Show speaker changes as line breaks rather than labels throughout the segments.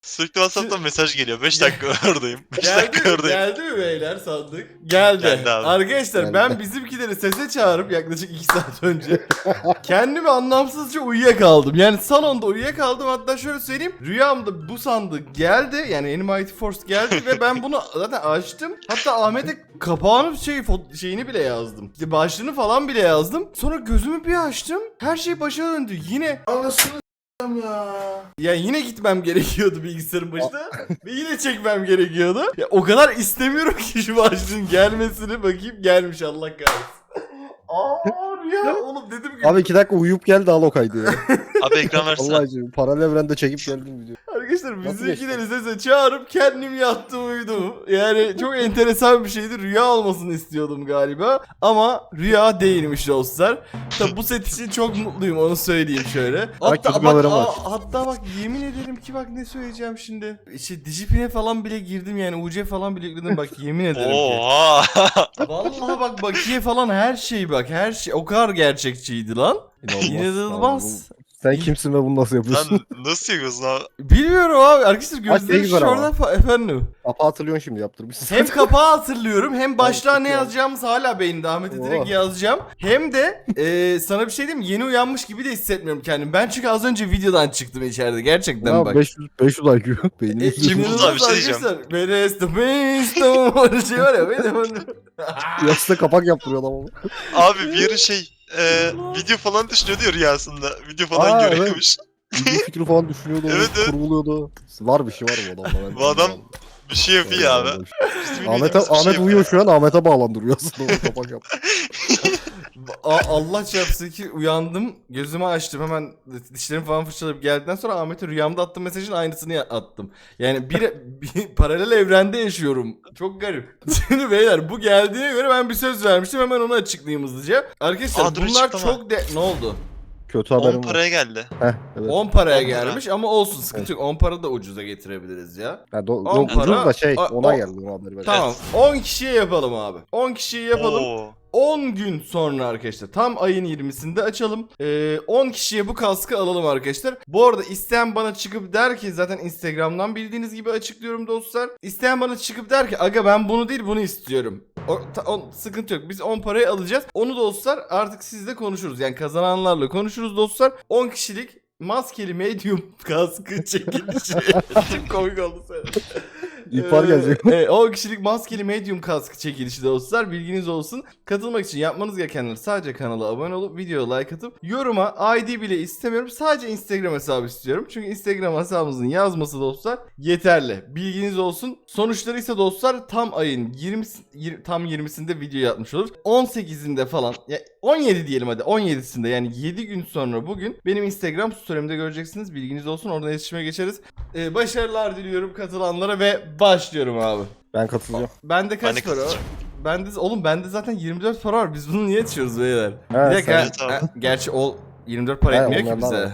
Sürekli WhatsApp'tan mesaj geliyor. 5 dakika oradayım. 5
Geldi
dakika
mi?
oradayım.
Geldi mi beyler sandık? Geldi.
Geldi abi.
Arkadaşlar
Geldi.
ben bizimkileri sese çağırıp yaklaşık 2 saat önce kendimi anlamsızca uyuyakaldım. Yani salonda uyuyakaldım, hatta şöyle söyleyeyim. Rüyamda bu sandık geldi. Yani Animated Force geldi ve ben bunu zaten açtım. Hatta Ahmet'e kapağını şeyini bile yazdım. İşte başlığını falan bile yazdım. Sonra gözümü bir açtım. Her şey başa döndü. Yine anasını ya. Ya yine gitmem gerekiyordu bilgisayarın başına ve yine çekmem gerekiyordu. Ya o kadar istemiyorum ki şu başlığın gelmesini, bakayım gelmiş, Allah kahretsin. Ya oğlum dedim ki
Abi 2 dakika uyuyup geldi al o kaydı ya.
Abi ekran versene.
Allah aşkına paralel evrende çekip geldim video.
arkadaşlar
Nasıl
bizimkileri sese çağırıp kendim yattım uyudum. Yani çok enteresan bir şeydi. Rüya olmasını istiyordum galiba ama rüya değilmiş dostlar. Tabi bu set için çok mutluyum, onu söyleyeyim şöyle. Hatta
kötü
bak,
haberim var.
hatta bak yemin ederim ki bak ne söyleyeceğim şimdi. İşte Digipin'e falan bile girdim, yani UC falan bile yükledim, bak yemin ederim ki.
Oha.
Vallahi bak bakiye falan her şey, bak her şey o kadar gerçekçiydi lan. İnanılmaz.
Sen kimsin ve bunu nasıl yapıyorsun?
Lan nasıl yapıyorsun abi?
Bilmiyorum abi arkadaşlar,
ne
gözlerim
güzel
şurada efendim.
Kapağı hatırlıyorsun şimdi yaptırmışsın.
Hem kapağı hatırlıyorum, hem başlığa
çok
ne
iyi.
yazacağımız hala beynimde, Ahmet'e direkt
Oh.
yazacağım. Hem de sana bir şey diyeyim mi? Yeni uyanmış gibi de hissetmiyorum kendimi. Ben çünkü az önce videodan çıktım içeride gerçekten
Ya
bak.
500 IQ. Beynini
Kim
yüzüyor.
buldu abi, bir şey diyeceğim.
Where is the beast? Öyle şey var ya benim.
Yastığa kapak yaptırıyor adam ama.
Abi bir ara video falan düşünüyordu ya rüyasında. Video falan
Aa,
görüyormuş.
Video fikri falan düşünüyordu.
Evet, evet.
Kurguluyordu. Var bir şey var bu adamda. Ben
Bu adam
bilmiyorum.
bir şey yapıyor abi. Bizim
Ahmet,
bildiğimiz bir şey
Ahmet uyuyor şu an, Ahmet'e bağlandırıyor aslında. O kapak yap.
Allah çarpsın ki uyandım, gözümü açtım, hemen dişlerimi falan fırçalayıp geldikten sonra Ahmet'e rüyamda attığım mesajın aynısını attım. Yani bir paralel evrende yaşıyorum. Çok garip. Şimdi beyler bu geldiğine göre ben bir söz vermiştim, hemen onu açıklayayım hızlıca. Arkadaşlar
Aa, dur,
bunlar
açıklama.
çok ne oldu?
Kötü
10
haberim var.
paraya geldi.
Heh, evet.
10 paraya
10 para.
gelmiş ama olsun, sıkıntı yok. 10 para da ucuza getirebiliriz ya.
Ya
on
ucuz
para-
da şey,
o-
ona geldi o haberi.
Tamam. 10 kişiye yapalım abi. 10 kişiyi yapalım.
Oo.
10 gün sonra arkadaşlar, tam ayın 20'sinde açalım. 10 kişiye bu kaskı alalım arkadaşlar. Bu arada isteyen bana çıkıp der ki, zaten Instagram'dan bildiğiniz gibi açıklıyorum dostlar. İsteyen bana çıkıp der ki aga ben bunu değil bunu istiyorum. Sıkıntı yok, biz 10 parayı alacağız. Onu dostlar artık sizle konuşuruz. Yani kazananlarla konuşuruz dostlar. 10 kişilik maskeli medium kaskı çekilişi. Çok komik oldu sen.
İhbar gelecek.
10 kişilik maskeli medium kaskı çekilişi dostlar, bilginiz olsun. Katılmak için yapmanız gerekenler sadece kanala abone olup videoya like atıp yoruma ID bile istemiyorum, sadece Instagram hesabı istiyorum. Çünkü Instagram hesabımızın yazması dostlar yeterli. Bilginiz olsun. Sonuçları ise dostlar tam ayın 20'sinde video atmış olur. 18'inde falan ya 17 diyelim hadi, 17'sinde yani 7 gün sonra bugün benim Instagram story'imde göreceksiniz. Bilginiz olsun, oradan iletişime geçeriz. Başarılar diliyorum katılanlara ve başlıyorum abi.
Ben katılacağım.
Bende
Ben
kaç
de
para var?
katılacağım.
Bende zaten 24 para var. Biz bunu niye açıyoruz beyler?
Evet,
Bir dakika.
sen- Evet abi.
Gerçi o 24 para
He,
etmiyor ki
onlardan
bize.
var.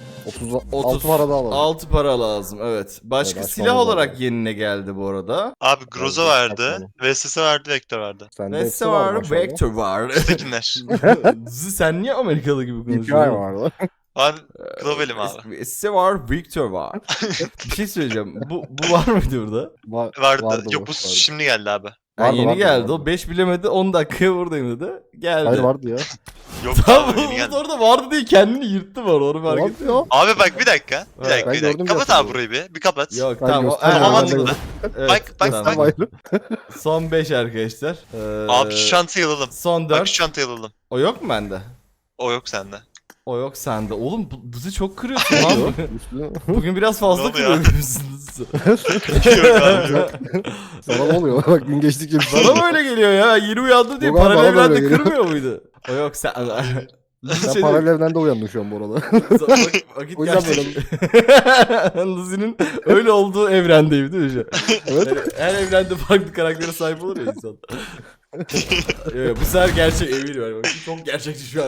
36 para daha alalım.
6 para lazım evet. Başka
Evet,
silah
açmamız
olarak
lazım.
yenine geldi bu arada.
Abi Groza
Evet,
verdi.
saçmalama.
VSS verdi. Vektör verdi.
Sende
Neyse
hepsi var
var,
maşallah.
Vector var.
Tekinler.
Sen niye Amerikalı gibi
DPI
konuşuyorsun?
var.
Ben globalim abi.
Neyse var, Victor var. Bir şey söyleyeceğim. Bu var mıydı burada?
Vardı.
Vardı,
Yok bu
vardı.
şimdi geldi abi.
Ha,
Vardı,
yeni
vardı,
geldi.
vardı.
O 5 bilemedi, 10 dakikaya buradayım dedi. Geldi.
Hayır vardı ya.
Yok
Tamam
abi yeni geldi.
orada vardı diye kendini yırttı var, onu fark
Vardı
ettin
ya.
mi?
Abi bak bir dakika. Bir
Ben
dakika. Bir
gördüm
dakika. Kapat
zaten.
abi burayı bir. Bir kapat.
Yok
Ben
tamam.
göstereyim,
Tamam,
ben de
mantıklı.
Evet,
Bak,
tamam.
bak.
Ayrı.
Son 5 arkadaşlar.
Abi şu çantayı alalım.
Son
Bak
4.
şu çantayı alalım.
O yok mu bende?
O yok sende.
O yok sende. Oğlum bizi çok kırıyorsun lan.
Üstüne-
Bugün biraz fazla
Ne oluyor?
kırıyorsunuz.
Yok abi yok.
Sana ne oluyor? Bak gün geçtikçe bir
Bana mı öyle geliyor ya? Yeni uyandı diye
Yok abi,
paralel
bana da öyle
evrende
geliyor.
kırmıyor muydu? O yok sen.
Sen paralel evrende uyandın şu an bu arada.
Vakit
O yüzden
gerçek. Lucy'nin öyle olduğu evrendeyim değil mi şu an?
Evet.
Yani her evrende farklı karaktere sahip olur ya insan. Yok, bu sefer gerçek eminim. Yani. Çok gerçekçi şu an.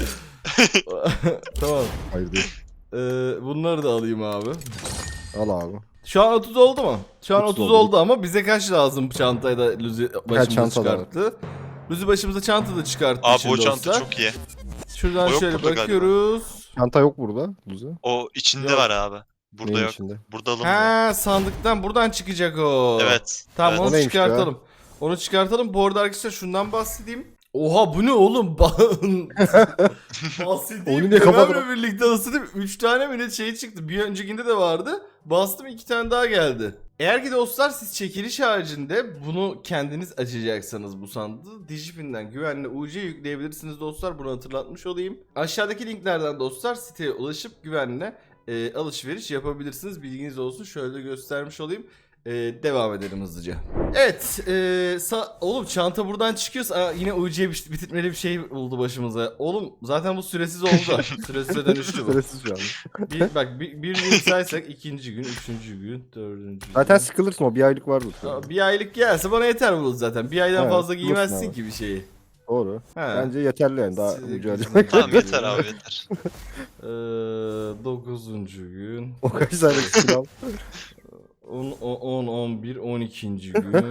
Tamam.
Hayır değil.
Bunları da alayım abi.
Al abi.
Şu an 30 oldu mu? Şu an 30
30
oldu ama bize kaç lazım çantayı da Lucy başımıza
çanta da var?
çıkarttı. Lucy başımıza çanta da çıkarttı
Abi
şimdi
o çanta
dostlar.
çok iyi.
Şuradan
O yok
şöyle
burada galiba.
bakıyoruz.
Çanta yok burada. Luzi.
O içinde
Yok.
var abi. Burada
Neyin
yok.
içinde?
Burada alınmıyor.
Ha, sandıktan buradan çıkacak o.
Evet.
Tamam,
evet.
O
onu
neymiş ya?
çıkartalım. Onu çıkartalım. Bu arada arkadaşlar şundan bahsedeyim. Oha, bu ne oğlum? Bahsedeyim.
Oyunu niye kapadın?
Ömer'le birlikte ısıtıp 3 tane mi ne şey çıktı. Bir öncekinde de vardı. Bastım, 2 tane daha geldi. Eğer ki dostlar siz çekiliş haricinde bunu kendiniz açacaksanız bu sandığı Digipin'den güvenli UC yükleyebilirsiniz dostlar. Bunu hatırlatmış olayım. Aşağıdaki linklerden dostlar siteye ulaşıp güvenle alışveriş yapabilirsiniz. Bilginiz olsun. Şöyle de göstermiş olayım. Devam edelim hızlıca. Evet. Oğlum çanta buradan çıkıyorsa yine UC bitirmeli bir şey oldu başımıza. Oğlum zaten bu süresiz oldu. Süresize dönüştü bu.
Süresiz şu an.
Bir gün saysak ikinci gün, üçüncü gün, dördüncü gün.
Zaten sıkılırsın, o bir aylık vardır.
Bir aylık gelse bana yeter bu zaten. Bir aydan
Evet,
fazla
bulursun
giymezsin
abi.
ki bir şeyi.
Doğru.
Ha.
Bence yeterli yani, daha
Size
ucu
gücüm
harcamak.
Tamam yeter abi yeter.
9. gün.
O kaç tane skill al.
10, 11, 12. gün.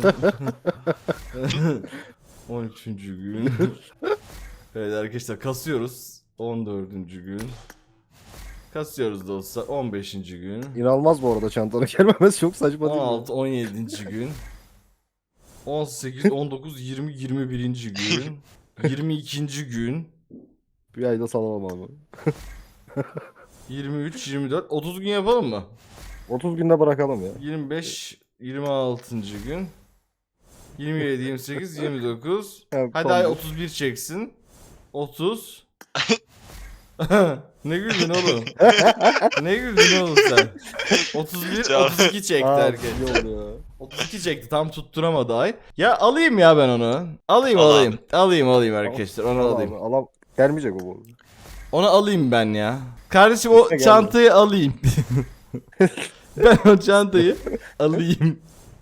13. gün. Evet arkadaşlar, kasıyoruz. 14. gün. Kasıyoruz dostlar. 15. gün.
İnanılmaz bu arada çantanın gelmemesi, çok saçma değil mi?
16, 17. gün. 18, 19, 20, 21. gün. 22. gün.
Bir ayda salamam abi.
23, 24, 30 gün yapalım mı?
30 günde bırakalım ya.
25, 26. gün. 27, 28, 29.
Evet,
Hadi
son
ay
bir.
31 çeksin. 30. Ne güldün oğlum? Ne güldün oğlum sen? 31,
Cevap.
32 çekti
Aa,
herkes.
iyi oldu ya.
32 çekti, tam tutturamadı ay. Ya alayım ya ben onu. Alayım
Al
alayım. Alayım arkadaşlar, onu
Al
alayım.
abi, alam gelmeyecek o bu.
Onu alayım ben ya. Kardeşim o
İşte geldi.
çantayı alayım. Ben o çantayı alayım.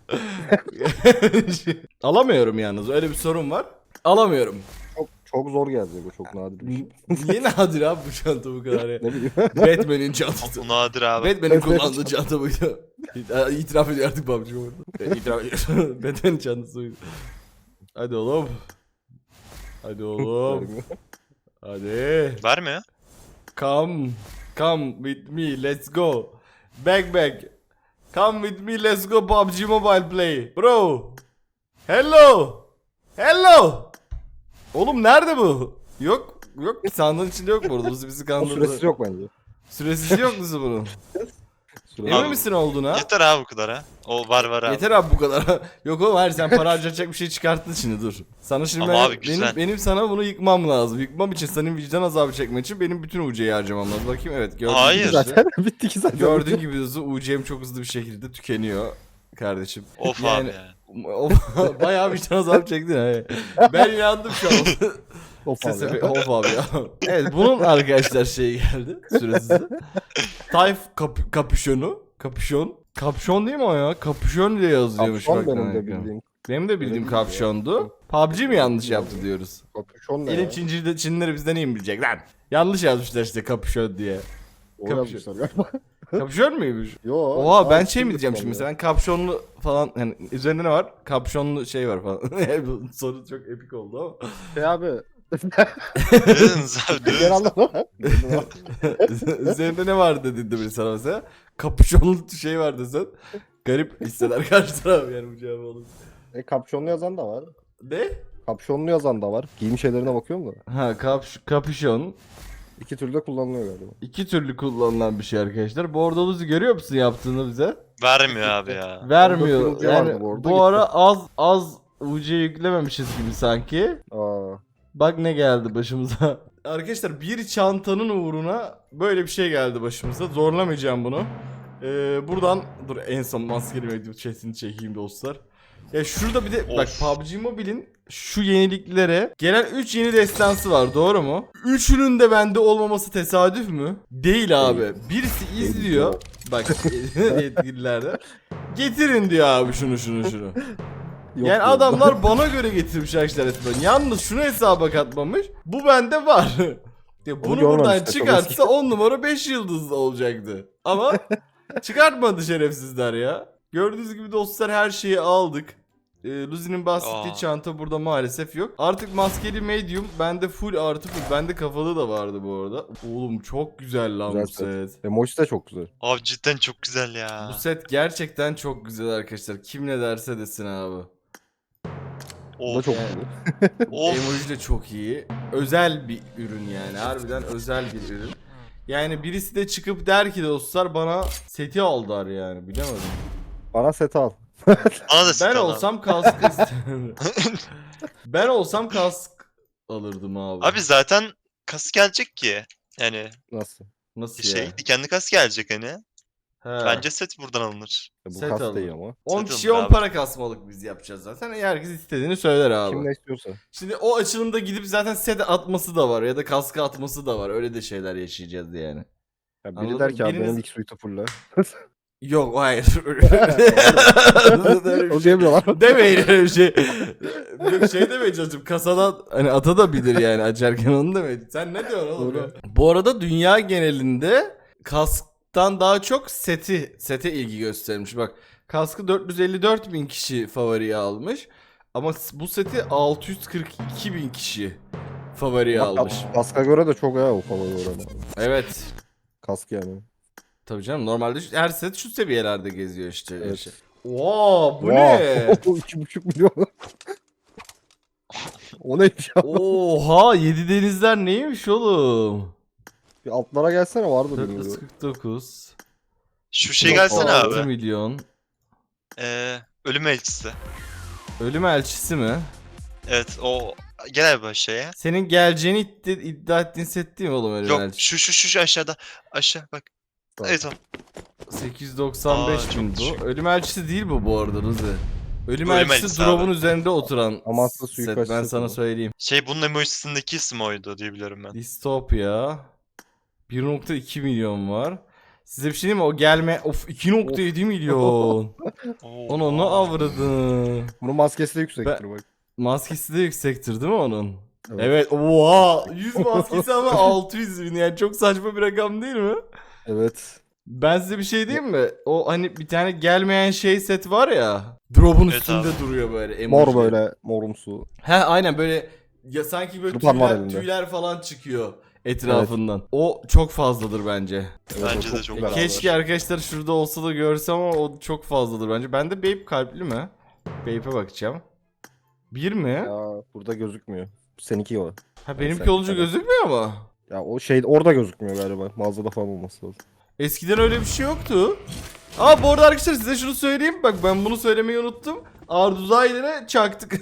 Alamıyorum yalnız, öyle bir sorun var. Alamıyorum.
Çok zor gelecek o, çok nadir bir şey.
Niye nadir abi bu çanta bu kadar ya?
Ne bileyim.
Batman'in çantası.
Bu nadir abi.
Batman'in kullandığı çanta buydu. İtiraf ediyor artık PUBG orada. İtiraf ediyor. Batman'in çantası buydu. Hadi oğlum. Hadi oğlum. Hadi.
Vermiyor.
Come with me, let's go. Back. Come with me, let's go PUBG Mobile play. Bro. Hello. Oğlum nerede bu? Yok. Sandığın içinde yok burada. Bizi
O
kandırdı.
süresi yok bence.
Süresiz yok musun bunun?
Süresi
Emin
Abi,
misin olduğuna?
Yeter abi bu kadar ha. O var abi.
Yeter abi bu kadar. Yok oğlum, hayır, sen para harcayacak bir şey çıkarttın şimdi, dur. Sana şimdi
Ama
ben-
abi güzel.
benim sana bunu yıkmam lazım. Yıkmam için, senin vicdan azabı çekmek için benim bütün UC'yi harcamam lazım. Bakayım, evet, gördüğün
Hayır.
gibi.
zaten bitti ki zaten.
Gördüğün gibi UC'm çok hızlı bir şekilde tükeniyor kardeşim.
Of
Yani-
abi ya.
Bayağı vicdan azabı çektin ha. Ben inandım şu an.
Of abi
Sesi
ya.
of abi ya. Evet, bunun arkadaşlar şeyi geldi süresiz. Tayf kapüşon değil mi o ya? Kapüşon diye yazıyormuş.
Kapşon
bak
benim de
demek ki.
bildiğim.
Benim de bildiğim
Öyle
kapşondu. PUBG mi yanlış yaptı diyoruz?
Kapüşon ne
Elin
ya?
Çinlileri bizden iyi mi bilecek lan? Yanlış yazmışlar işte kapüşon diye.
O
kapüşon.
yazmışlar galiba.
Kapüşon muymuş?
Yo.
Oha, ben
aa,
şey mi diyeceğim şimdi mesela, kapşonlu falan, hani üzerinde ne var? Kapşonlu şey var falan. Bu soru çok epik oldu ama.
Şey abi.
Ne dediniz abi? Ne
Ben
dediniz?
anlamadım.
Üzerinde ne var dedi biri sana mesela. Kapüşonlu şey var desen. Garip hisseder karşı taraf yani bu cevabı alır.
Kapşonlu yazan da var.
Ne?
Kapşonlu yazan da var. Giyim şeylerine bakıyorum da.
Ha, kapüşon.
İki türlü de kullanılıyor galiba.
İki türlü kullanılan bir şey arkadaşlar. Bordoluzu görüyor musun yaptığını bize?
Vermiyor abi ya.
Vermiyor.
Orada kırmızı
Yani
vardı bu arada,
bu
gitti.
ara az UC yüklememişiz gibi sanki.
Aa.
Bak ne geldi başımıza. Arkadaşlar, bir çantanın uğruna böyle bir şey geldi başımıza. Zorlamayacağım bunu. Buradan dur, en son maskeli medya chatini çekeyim dostlar. Ya şurada bir de bak,
Of.
PUBG Mobile'in şu yeniliklere gelen 3 yeni destansı var, doğru mu? Üçünün de bende olmaması tesadüf mü? Değil abi. Birisi izliyor. Bak yetkililerde. Getirin diyor abi şunu.
Yok
Yani
diyor.
adamlar bana göre getirmiş arkadaşlar resmen. Yalnız şunu hesaba katmamış. Bu bende var. Ya bunu buradan
görmemişler,
çıkartsa 10 numara 5 yıldızlı olacaktı. Ama çıkartmadı şerefsizler ya. Gördüğünüz gibi dostlar, her şeyi aldık. Luzi'nin bahsettiği
Aa.
çanta burada maalesef yok. Artık maskeli medium. Bende full artı full. Bende kafalı da vardı bu arada. Oğlum çok güzel lan
Güzel
bu set.
Emoji de çok güzel.
Abi cidden çok güzel ya.
Bu set gerçekten çok güzel arkadaşlar. Kim ne derse desin abi.
Bu da
Of.
çok
Yani.
güzel.
Emoji de çok iyi. Özel bir ürün yani. Harbiden özel bir ürün. Yani birisi de çıkıp der ki dostlar bana seti al der yani. Bilemedim.
Bana set al.
Bana da
Ben
sıkıntı
olsam kask isterim. Ben olsam kask alırdım abi.
Abi zaten kas gelecek ki. Yani
Nasıl?
Nasıl
şey
ya?
dikenli kas gelecek hani.
He.
Bence set buradan alınır.
Bu
Set
kas
alın.
değil ama.
10
Set
kişiye
alınır
10
abi.
para kasmalık biz yapacağız zaten. Herkes istediğini söyler abi.
Kim ne istiyorsa.
Şimdi o açılımda gidip zaten set atması da var ya da kaskı atması da var. Öyle de şeyler yaşayacağız yani.
Ya biri
Anladın
der
mı?
ki abi
Biriniz-
benim ilk suite'u fulla.
Yok hayır.
O diyemiyorlar.
Demeyin öyle bir şey. Yok şey demeye çalıştım. Kasadan hani ata da bilir yani açarken onu demeyin. Sen ne diyorsun oğlum
Doğru.
ya? Bu arada dünya genelinde kasktan daha çok sete ilgi göstermiş. Bak kaskı 454 bin kişi favoriye almış. Ama bu seti 642 bin kişi favoriye almış.
Kaska göre de çok ya o favori oranı.
Evet.
Kask yani.
Tabii canım normalde her set şu seviyelerde geziyor işte.
Evet.
Şey. Oo, bu ne?
2,5 milyon. O neymiş ya?
Oha 7 denizler neymiş oğlum?
Bir altlara gelsene vardı bilmiyorum.
449.
Şu şey gelsene
6
abi.
milyon.
Ölüm elçisi.
Ölüm elçisi mi?
Evet o gel abi aşağıya.
Senin geleceğini iddia ettiğin set değil mi oğlum ölüm
Yok
elçisi?
şu aşağıda. Aşağı bak.
Tamam.
Evet o.
895
Aa,
bin
çok
bu.
düşük.
Ölüm elçisi değil bu arada Rıza. Ölüm
Ölüm
elçisi
elçisi
drop'un
abi.
üzerinde oturan
Amasya
set
suikastçı
ben sana
bu.
söyleyeyim.
Şey bunun emojisindeki isim oydu diye biliyorum ben.
Distopya 1.2 milyon var. Size bir şey diyeyim mi? O gelme... Of 2.7 milyon.
Oo.
Onu avradın.
Bunun maskesi de yüksektir bak.
Maskesi de yüksektir değil mi onun?
Evet.
Evet. Oha. 100 maskesi ama 600 bin. Yani çok saçma bir rakam değil mi?
Evet.
Ben size bir şey diyeyim mi? O hani bir tane gelmeyen şey set var ya. Drop'un
Evet
üstünde
abi.
duruyor böyle. Emoji.
Mor böyle morumsu.
He aynen böyle ya sanki böyle
Tırpan var
tüyler,
elinde.
tüyler falan çıkıyor etrafından. O çok fazladır bence.
Evet,
Bence
o
de çok
güzel
Keşke
abi.
arkadaşlar şurada olsa da görsem ama o çok fazladır bence. Bende Babe kalpli mi? Babe'e bakacağım. Bir mi?
Ya burada gözükmüyor. Seninki o.
Ha benimki
sen
olunca
bir tane.
gözükmüyor mu?
Ya o şey orada gözükmüyor galiba. Mağazada falan olması lazım.
Eskiden öyle bir şey yoktu. Aa bu arada arkadaşlar size şunu söyleyeyim. Bak ben bunu söylemeyi unuttum. Arduzaylara çaktık.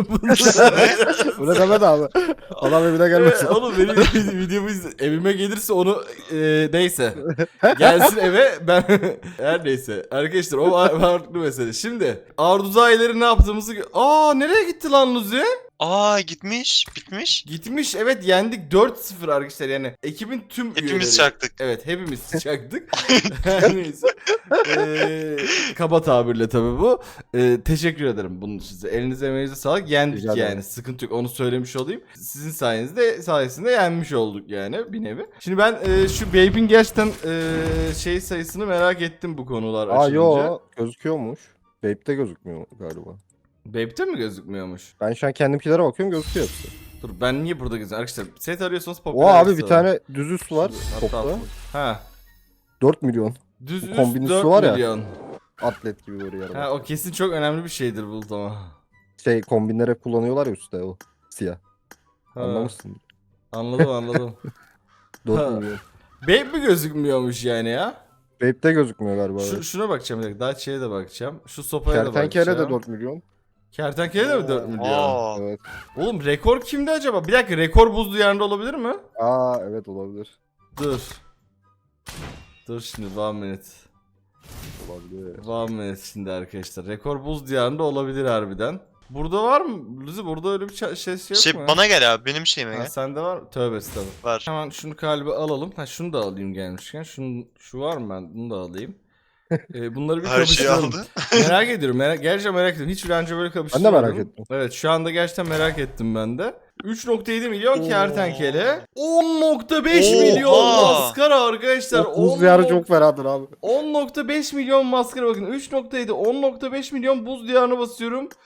Öyle deme de abi. Adam evine gelmesin.
Oğlum benim videomu evime gelirse onu neyse. Gelsin eve ben her neyse. Arkadaşlar o farklı mesele. Şimdi Arduzayları ne yaptığımızı nereye gitti lan Luzi?
Aa gitmiş. Bitmiş.
Gitmiş evet yendik 4-0 arkadaşlar yani ekibin tüm
Hepimiz
üyeleri.
çaktık.
Evet hepimiz çaktık. Her neyse. Kaba tabirle tabii bu. Teşekkür ederim bunun için size. Elinize emeğinize sağlık. Yendik
Rica ederim.
yani. Sıkıntı yok. Onu söylemiş olayım. Sizin sayesinde yenmiş olduk yani bir nevi. Şimdi ben şu Babe'in gerçekten şey sayısını merak ettim bu konular
Aa
açılınca.
yo gözüküyormuş. Vape'de gözükmüyor galiba.
Babe'de mi gözükmüyormuş?
Ben şu an kendimkilere bakıyorum gözüküyor hepsi.
Dur ben niye burada gözüküyorum? Arkadaşlar set arıyorsanız
O
popüler
abi
liste
bir tane düz üst var
Hatta
topta.
Ha.
4 milyon.
Düz
Bu
üst
kombinisi
4
var ya.
milyon.
Atlet gibi böyle yarım.
Ha o kesin çok önemli bir şeydir Bulut ama.
Şey kombinlere kullanıyorlar ya üstte o siyah.
Ha,
Anlamışsın.
Anladım.
4
Ha.
milyon.
Babe mi gözükmüyormuş yani ya?
Vape'de gözükmüyor galiba.
Şuna bakacağım bir dakika. Daha şeye de bakacağım. Şu sopaya da
Kertenkele
bakacağım.
de 4 milyon.
Kertenkele de mi 4 milyon?
Aa.
Evet.
Oğlum rekor kimde acaba? Bir dakika rekor buz diyarında olabilir mi?
Aa evet olabilir.
Dur. Dur şimdi one minute.
Olabilir.
One minute şimdi arkadaşlar. Rekor buz diyarında olabilir harbiden. Burada var mı? Luzi burada öyle bir şey yok
Şey
mu?
bana gel abi benim şeyime
Ha,
gel.
sende var mı? Tövbe estağfurullah.
Var.
Hemen şunu kalbe alalım. Ha şunu da alayım gelmişken. Şu var mı ben? Bunu da alayım. Bunları bir
Her şeyi
kapıştıralım.
aldı.
Merak ediyorum. Gerçekten merak ediyorum. Hiç önce böyle
Ben de
kapıştırmadım.
merak ettim.
Evet şu anda gerçekten merak ettim ben de. 3.7 milyon
Oo.
kertenkele. 10.5
Oha.
milyon maskara arkadaşlar.
O buz diyarı çok fenadır abi.
10.5 milyon maskara bakın. 3.7 10.5 milyon buz diyarına basıyorum.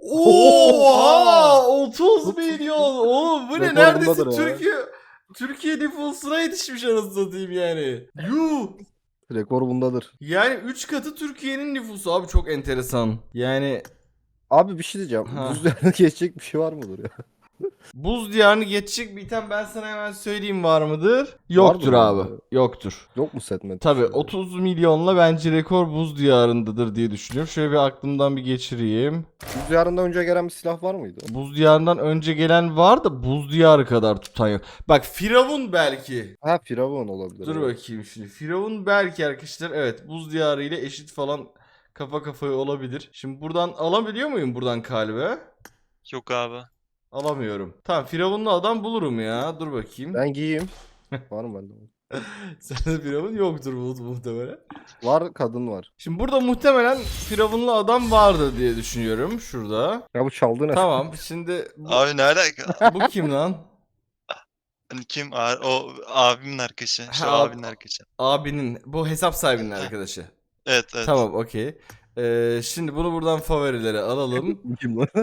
Oha! 30 milyon. Oğlum bu ne?
Rekor
Neredeyse
bundadır ya.
Türkiye nüfusuna yetişmiş anasını satayım yani. Yuh!
Rekor bundadır.
Yani 3 katı Türkiye'nin nüfusu abi, çok enteresan. Yani
Abi bir şey diyeceğim.
Ha.
Buz diyarına geçecek bir şey var mıdır ya?
buz diyarını geçecek bir item ben sana hemen söyleyeyim, var mıdır? Yoktur
Vardır
abi.
yani.
Yoktur.
Yok mu setmet?
Tabii 30 milyonla bence rekor buz diyarındadır diye düşünüyorum. Şöyle bir aklımdan bir geçireyim.
Buz diyarından önce gelen bir silah var mıydı?
Buz diyarından önce gelen var da buz diyarı kadar tutan yok. Bak Firavun belki.
Ha Firavun olabilir.
Dur
evet.
bakayım şimdi. Firavun belki arkadaşlar, evet, buz diyarı ile eşit falan kafa kafaya olabilir. Şimdi buradan alabiliyor muyum buradan kalbe?
Yok abi.
Alamıyorum. Tamam, Firavunlu adam bulurum ya. Dur bakayım.
Ben giyeyim. Var mı bende?
Sende Firavun yoktur muhtemelen.
Var kadın var.
Şimdi burada muhtemelen Firavunlu adam vardı diye düşünüyorum. Şurada.
Ya bu çaldı ne?
Tamam, şimdi
Abi ne alaka?
bu kim lan?
Hani kim? O abimin arkadaşı. İşte o
Ha,
abinin arkadaşı.
Abinin, bu hesap sahibinin arkadaşı.
Evet evet.
Tamam, okey. Şimdi bunu buradan favorilere alalım.
Bu kim lan?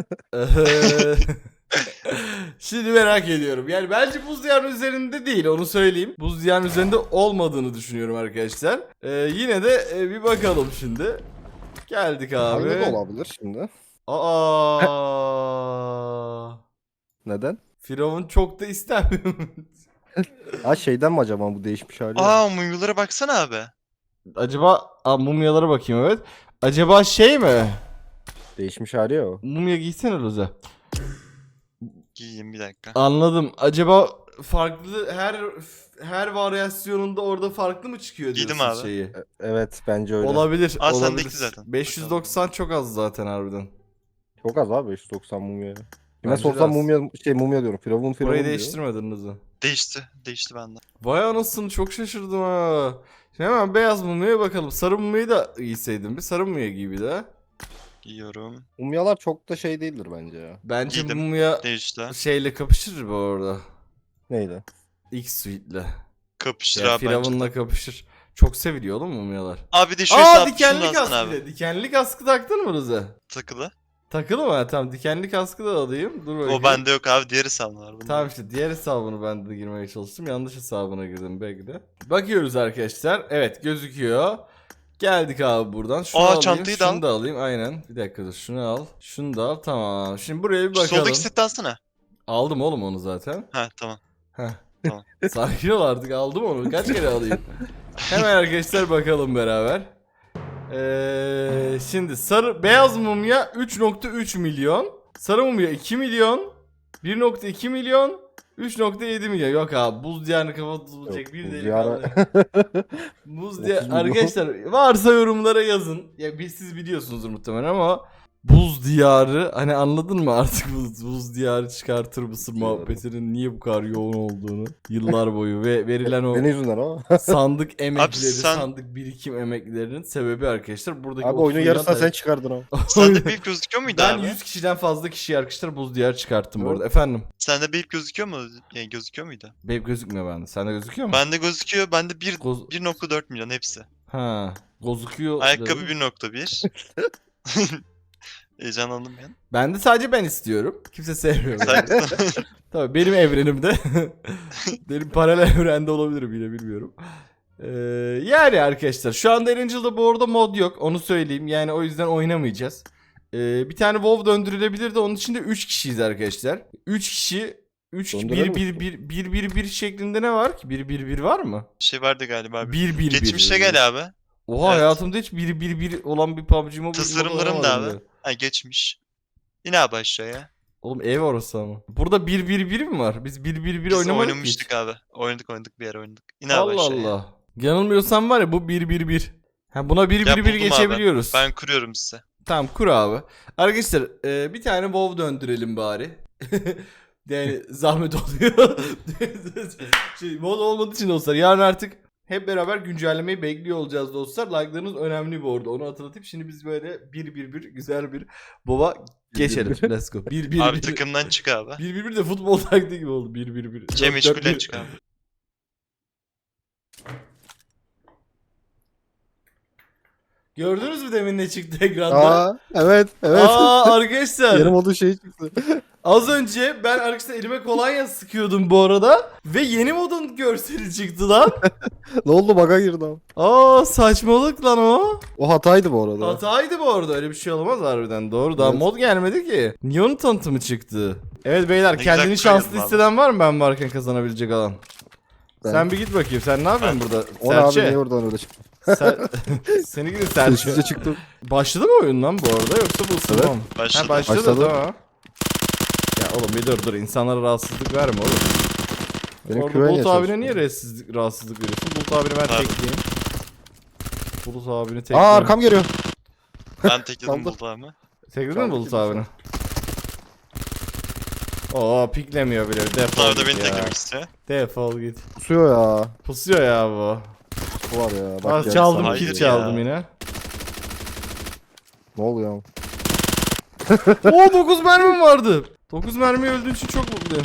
Şimdi merak ediyorum. Yani bence buz diyarının üzerinde değil, onu söyleyeyim. Buz diyarının üzerinde olmadığını düşünüyorum arkadaşlar. Yine de bir bakalım şimdi. Geldik abi.
Aynı da olabilir şimdi.
Aa.
Neden?
Firavun çok da istemiyorum.
Ha şeyden mi acaba bu değişmiş hali?
Aa mumyalara baksana abi.
Acaba mumyalara bakayım, evet. Acaba şey mi?
Değişmiş hali ya o.
Mumya giysene Loza.
Giyeyim bir dakika.
Anladım. Acaba farklı her varyasyonunda orada farklı mı çıkıyor
Giydim
diyorsun
abi.
şeyi?
Evet bence öyle.
Olabilir.
Aa,
olabilir.
sendeki zaten.
590 çok az zaten harbiden.
Çok az abi 590 mumya. Kime
Bence de
sorsam
az.
mumya diyorum. Firavun
Burayı
diyor.
değiştirmediniz mi?
Değişti. Değişti bende.
Vay anasını, çok şaşırdım ha. Şimdi hemen beyaz mumyaya bakalım. Sarı mumyayı da giyseydim bir. Sarı mumya giy bir de.
Giyiyorum.
Mumyalar çok da şey değildir bence ya.
Bence
Giydim.
mumya
Değişti.
şeyle kapışır bu arada.
Neydi?
X-Suite'le.
Kapıştır
Ya
abi bence de.
Firavun'la kapışır. Çok seviliyor oğlum mumyalar.
Abi de şu
Aa,
hesap
dikenli
şunu alsana
kask bir
abi.
de. Dikenli kaskı taktın mı Rıza?
Takılı.
Takılı mı? Tamam, dikenli kaskı da alayım. Dur bakayım.
O bende yok abi. Diğer hesabım var. Bunda.
Tamam, işte diğer hesabını ben de girmeye çalıştım. Yanlış hesabına girdim belki de. Bakıyoruz arkadaşlar. Evet, gözüküyor. Geldik abi buradan. Şunu alayım,
çantayı da
şunu
al.
da alayım. Aynen. Bir dakika dur, şunu al. Şunu da al. Tamam. Şimdi buraya bir
Şu
bakalım.
soldaki seti alsana.
Aldım oğlum onu zaten.
Ha tamam.
Heh.
Tamam.
Sakin ol artık, aldım onu. Kaç kere alayım? Hemen arkadaşlar bakalım beraber. Şimdi beyaz mumya 3.3 milyon. Sarı mumya 2 milyon. 1.2 milyon. 3.7 milyon. Yok abi, buz diyarını kafa tutulacak bir
buz
delikanlı.
diyarı-
Buz
30 milyon.
arkadaşlar varsa yorumlara yazın. Ya siz biliyorsunuzdur muhtemelen ama buz diyarı, hani anladın mı artık buz diyarı çıkartır mısın
Diyarı.
muhabbetinin niye bu kadar yoğun olduğunu yıllar boyu ve verilen o
Senin yüzünden ama.
sandık emekleri,
sen-
sandık birikim emeklerinin sebebi arkadaşlar buradaki
Abi
30
oyunun
milyon
yarısına
TL.
sen çıkardın ama.
Sende bir ip gözüküyor muydu
Ben
abi?
100 kişiden fazla kişiyi arkadaşlar buz diyarı çıkarttım bu
Evet.
arada. Efendim?
Sende bir ip gözüküyor mu? Yani gözüküyor muydu?
Benim gözükmüyor bende. Sende gözüküyor mu?
Bende gözüküyor. Bende
Goz-
1.4 milyon hepsi.
Ha, gözüküyor.
Ayakkabı
dedim.
1.1. Heyecanlandım ben.
Bende sadece ben istiyorum. Kimse sevmiyor. beni.
Sen-
Tabii benim evrenimde. Benim paralel evrende olabilirim yine, bilmiyorum. Yani arkadaşlar şu anda Erangel'da bu arada mod yok, onu söyleyeyim. Yani o yüzden oynamayacağız. Bir tane WoW döndürülebilir de onun için de 3 kişiyiz arkadaşlar. 3 kişi 3
Döndürelim
1 şeklinde ne var ki? 1 var mı?
şey vardı galiba abi.
1
Geçmişe gel abi.
Oha,
Evet.
hayatımda hiç 1 olan bir PUBG Mobile
Tasarımlarım
modu
da
oynamadım
abi.
ben.
Ha geçmiş. Yine abi aşağıya.
Oğlum ev orası ama. Burada 1 mi var? Biz 1
Biz
oynamadık ki hiç.
oynamıştık abi. Oynadık bir yer oynadık. Yine abi
Allah
aşağıya.
Allah. Yanılmıyorsam var ya bu 1. Ha, buna 1
Ya buldum abi.
geçebiliyoruz.
Ben kuruyorum size.
Tamam, kur abi. Arkadaşlar bir tane WoW döndürelim bari. Yani zahmet oluyor. Mod olmadığı için dostlar. Yarın artık hep beraber güncellemeyi bekliyor olacağız dostlar. Like'larınız önemli bu arada. Onu hatırlatıp şimdi biz böyle 1 güzel bir WoW'a geçelim. Let's go. 1
Abi takımdan çık abi.
1 de futbol taktiği gibi oldu. 1
Cem Eşkul'den çık abi.
Gördünüz mü demin ne çıktı ekranda?
Aa evet evet.
Aa arkadaşlar.
Yarım olduğu şey çıktı.
Az önce ben arkadaşlar elime kolonya sıkıyordum bu arada. Ve yeni modun görseli çıktı lan.
Ne oldu, bug'a girdi abi.
Aa saçmalık lan o.
O hataydı bu arada.
Hataydı bu arada, öyle bir şey olamaz harbiden, doğru. Daha
Evet.
mod gelmedi ki. Niye onun tanıtımı çıktı? Evet beyler,
Ne
kendini
güzel
şanslı
kayırdın
hisseden var mı ben varken kazanabilecek alan?
Ben.
Sen bir git bakayım, sen ne yapıyorsun burada?
O ne abi,
Serçe.
niye oradan öyle çıktı?
Seni gidin Serçe.
Sessizce çıktı.
Başladı mı oyun lan bu arada, yoksa bu ısınma
Evet.
mı?
Başladı.
Ha başladı,
Başladı.
tamam. Ya oğlum bir dur, insanlara rahatsızlık verme oğlum.
Benim
Orada
küveye
Bulut abine
çalışıyor.
niye rahatsızlık veriyorsun? Bulut abini ben
Pardon.
tekleyeyim. Bulut abini tekleyeyim.
Aa arkam geliyor.
Ben tekledim
Kaldır.
buldu ama.
Tekledin mi
Kaldı
Bulut
ki
abini? Oo piklemiyor bile.
Buldu
Defol
abi de
git
beni
ya.
teklemek istiyor.
Defol git.
Pusuyor ya.
Pusuyor ya bu.
Bu var ya.
Aa,
geldi
çaldım,
sana.
Hayır
kill
ya.
çaldım yine.
Ne oluyor?
Oo 9 mermim vardı. 9 mermi öldüğün için çok mutluyum.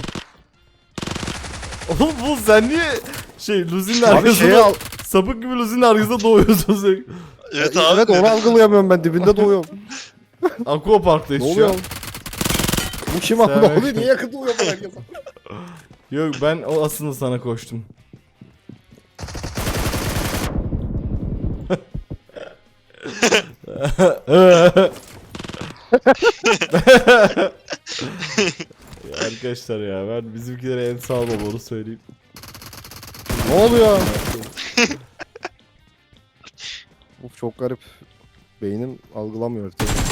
Oğlum bu sen niye Luzi'nin
Abi
arkasında
şeyi al.
sapık gibi Luzi'nin arkasında doğuyorsun sürekli.
Evet abi.
Evet, onu algılayamıyorum ben, dibinde doğuyorum.
Aqua Park'tayız
Ne
şu
oluyor?
an.
Bu kim abi?
Sen-
Ne oluyor? Niye yakın doğuyor bu herkes?
Yok ben o aslında sana koştum. Ya arkadaşlar ya, ben bizimkilere en sağlam onu söyleyeyim.
Ne oluyor? Of, çok garip. Beynim algılamıyor.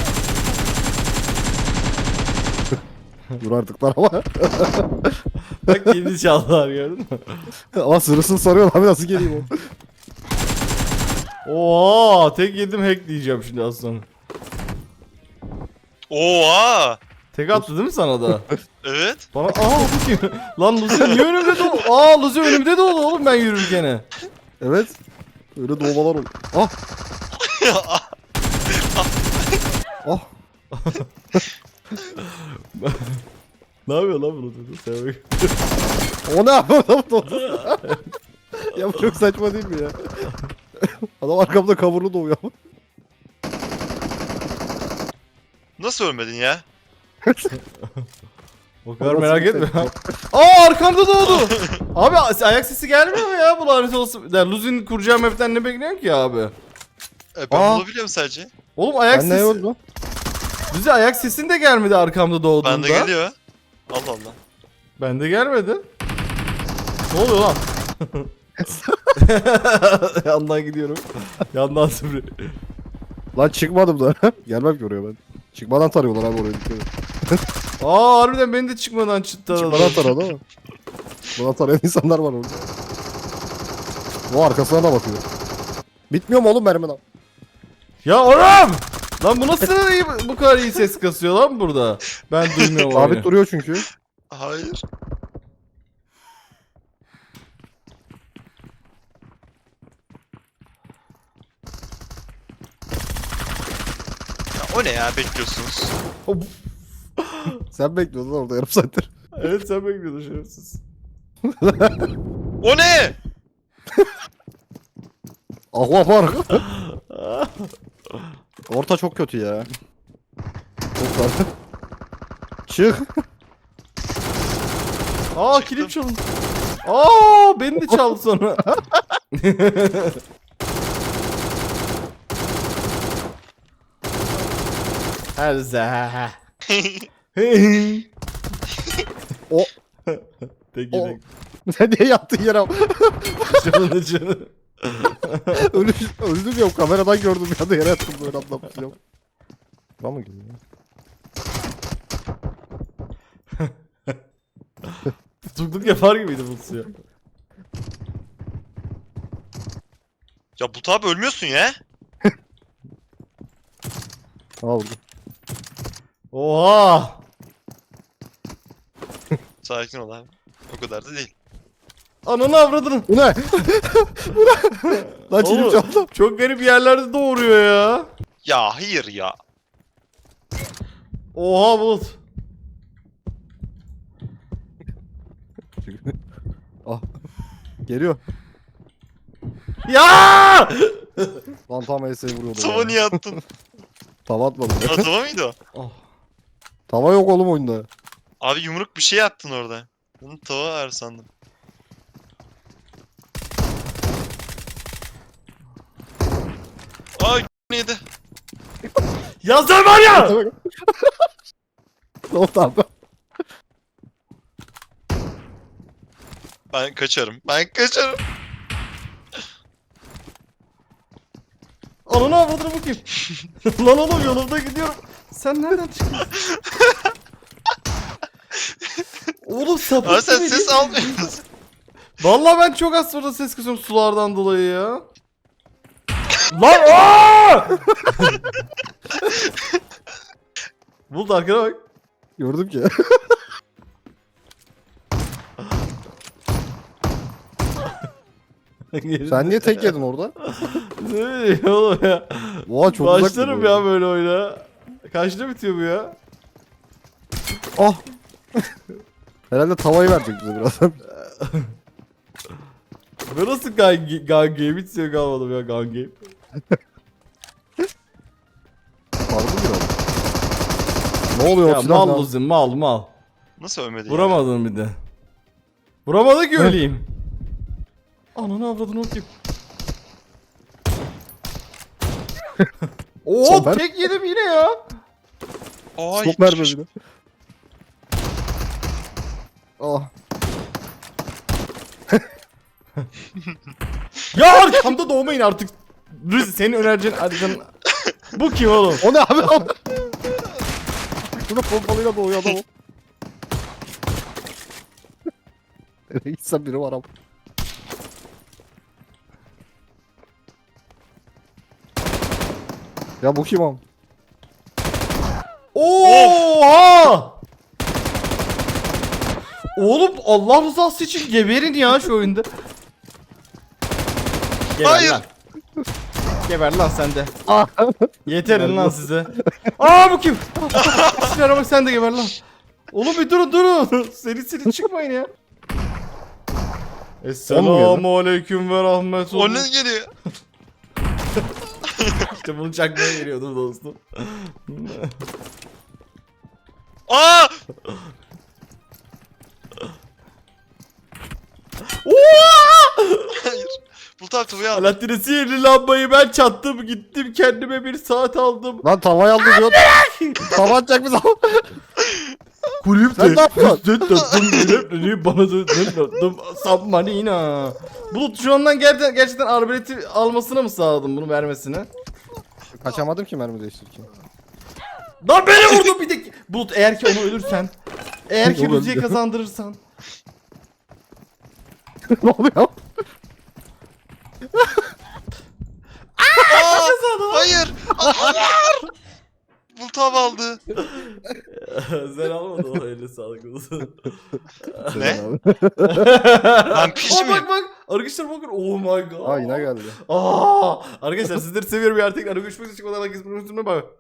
Dur artık lan ama.
Bak yeni çaldılar, gördün mü?
Ama sırısını sarıyor abi, nasıl geleyim o?
Oha, tek yedim hack diyeceğim şimdi az sonra.
Oha.
Tek attı değil mi sana da?
Evet.
Bana bu kim? Lan Luzi niye önümde doğdu? Luzi önümde doğdu oğlum ben yürürken.
Evet. Öyle doğmalar oldu. Ah! Ah!
Ne yapıyor lan bunu? Sen bak.
O ne yapıyor adam doğdu? Ya bu çok saçma değil mi ya? Adam arkamda kavurlu doğuyor ama.
Nasıl ölmedin ya?
O kadar
Nasıl
merak
bir
etme.
tepki?
Arkamda doğdu. Abi ayak sesi gelmiyor mu ya bu lanet olsun? Ya Luzi'nin kuracağı map'ten ne bekliyorsun ki abi?
Ben
Aa.
bulabiliyorum sadece.
Oğlum ayak
Ben ne
sesi...
oldu?
Luzi ayak sesin de gelmedi arkamda doğduğunda.
Bende geliyor. Allah Allah.
Bende gelmedi. Ne oluyor lan? Yandan gidiyorum. Yandan süpürüyor.
Lan çıkmadım da. Gelmem ki oraya ben. Çıkmadan tarıyorlar abi oraya, dikkat et.
Harbiden beni de çıkmadan çıktı.
Çıkmadan taradı ama. Bana tarayan insanlar var orada. O arkasına da bakıyor. Bitmiyor mu oğlum mermi lan?
Ya oğlum! Lan bu nasıl iyi, bu kadar iyi ses kasıyor lan burada? Ben duymuyorum oyunu.
Sabit duruyor çünkü.
Hayır. Ya o ne ya, bekliyorsunuz?
Sen bekliyordun orada yarım saattir.
Evet sen bekliyordun şerefsiz.
O ne?
Ahva var. Orta çok kötü ya. Çok dar. Çık.
Kilim çalın. Beni de çaldı sonra. Her zah.
O.
Tek
O.
yedek.
Sen niye yattın yere?
Canını canı.
Öldüm ya, kameradan gördüm ya da yere yattım böyle anlatmışım. Tamam mı geliyor?
Tutukluk yapar gibiydi bu suya.
Ya bu tabi ölmüyorsun ya.
Aldım.
Oha!
Sakin ol abi. O kadar da değil.
Ananı avradını.
Bu ne? Lan çilim
Oğlum,
çaldım.
çok garip yerlerde doğuruyor ya.
Ya hayır ya.
Oha Bulut.
Ah. Geliyor.
Ya!
Lan tam ES'yi vuruyordu.
Tava niye attın?
Tava atmadım.
Aa, tava mıydı o?
Oh.
Tava yok oğlum oyunda.
Abi yumruk bir şey attın orada. Bunu tava var sandım. Ay neydi?
Ya sen var ya!
Ne oldu abi?
Ben kaçarım. Ben kaçarım.
Ananı avradını bakayım. Lan oğlum yolumda gidiyorum. Sen nereden çıkıyorsun? Oğlum sapık
Abi sen
gibi
ses
değil.
almıyorsun.
Vallahi ben çok az sonra ses kısıyorum sulardan dolayı ya. Lan aaa! Bulut arkana bak.
Gördüm ki. Sen niye tek yedin orada?
Ne bileyim oğlum ya.
Oha çok uzak.
Başlarım
duruyor.
ya böyle oyuna. Kaçta bitiyor bu ya?
Ah. Herhalde tavayı verecek bize birazdan.
Ben nasıl gun game hiç sevk almadım ya gun game.
Pardon biraz. Ne oluyor
Ya
o silah
mal
lan?
Luzin mal.
Nasıl ölmedi ya?
Vuramadın bir de. Vuramadı ki öleyim. Ananı avradını okuyayım. Oo
Sober.
tek yedim yine ya.
Aa,
Stop verme
gitmiş.
bir de. Ah.
Ya arkamda doğmayın artık. Rüzi senin önereceğin haritanın... Bu kim oğlum?
O ne abi? Şurada pompalıyla doğuyor adam o. Nereye gitsem biri var ama. Ya bu kim am?
Oha! Oğlum Allah rızası için geberin ya şu oyunda. Geber
Hayır.
lan. Geber lan sen de.
Ah.
Yeterin lan size. Aa bu kim? Silahına bak sen de geber lan. Oğlum bir durun. Seri çıkmayın ya. Esselamu aleyküm ve rahmetullah.
O ne geliyor?
İşte bunu çakmaya geliyordum dostum.
Aa! Hayır. Bulut abi tavayı al.
Alaaddin'e sihirli lambayı ben çattım gittim kendime bir saat aldım.
Lan tavayı aldı diyor. Tava atacak bize.
Kulüp
Sen ne yapıyorsun?
bana döndüm sabmanina. Bulut şu andan gerçekten arbaleti almasını mı sağladın bunu vermesini?
Kaçamadım ki mermi değiştirirken.
Lan beni vurdu bir de. Bulut eğer ki onu ölürsen. Eğer ki
Olur.
Rüzi'ye kazandırırsan.
Ne oluyor?
Aa! Hayır! Hayır! Bulut abi aldı.
Sen almadın o eline sağlık olsun.
Ne?
Abi.
Ben piş
Aa
miyim?
bak. Arkadaşlar bakın. Oh my god.
Aa yine geldi.
Arkadaşlar sizleri seviyorum ya. Tekrar görüşmek üzere. Çıkmadan herkes bak.